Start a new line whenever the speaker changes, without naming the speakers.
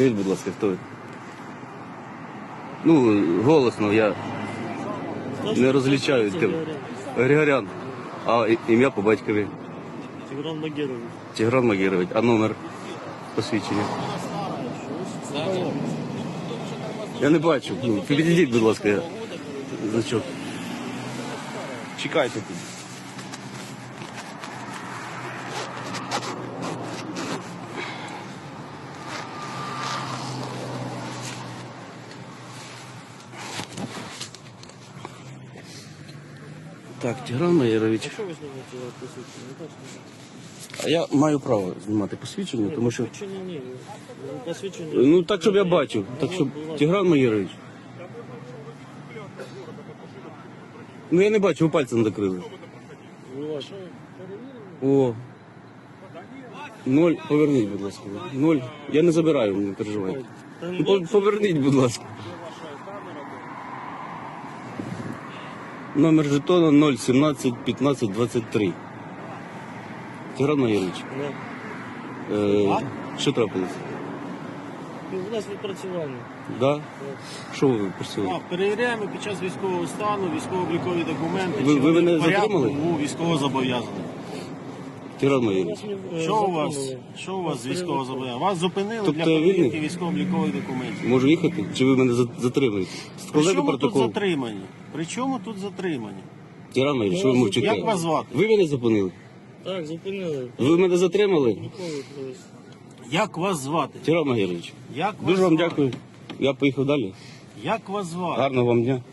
Скажіть, будь ласка, хто ви? Ну, голосно, я не розлічаю тим. Григорян. А ім'я по батькові?
Тигран Магерович.
Тигран Магерович. А номер посвідчення? Я не бачу. Ну, підійдіть, будь ласка, я значок. Чекайте тут. Так, Тигран Магерович.
Що ви знімаєте посвідчення?
А я маю право знімати посвідчення, тому що...
Посвідчення ні. Посвідчення...
Ну так, щоб я бачив. Так, щоб... Тигран Магерович. Ну я не бачу, ви пальцем закрили. О. 0, поверніть, будь ласка. 0. Я не забираю, не переживайте. Ну, поверніть, будь ласка. Номер жетона 017 15 23. Тигран Магерович. Що трапилось?
У нас відпрацювання.
Да? Що ви просили?
Перевіряємо під час військового стану, військово-облікові документи.
Ви
чи вони
мене
в порядку
затримали?
у військовозобов'язаних.
Тигран Магерович.
Що у вас з військовозобов'язаних? Вас зупинили
Тобто
для перевірки
вільний?
військово-облікових документів.
Можу їхати? Чи ви мене затримуєте?
При
Складайте
чому тут
протокол.
затримані? При чому тут затримані?
Тигран Магерович, що ви мовчите?
Як вас звати?
Ви мене зупинили?
Так, зупинили.
Ви мене затримали?
Ніколи колись.
Як вас звати?
Тигран Магерович.
Як вас
Дуже вам
звати?
дякую. Я поїхав далі.
Як вас звати?
Гарного вам дня.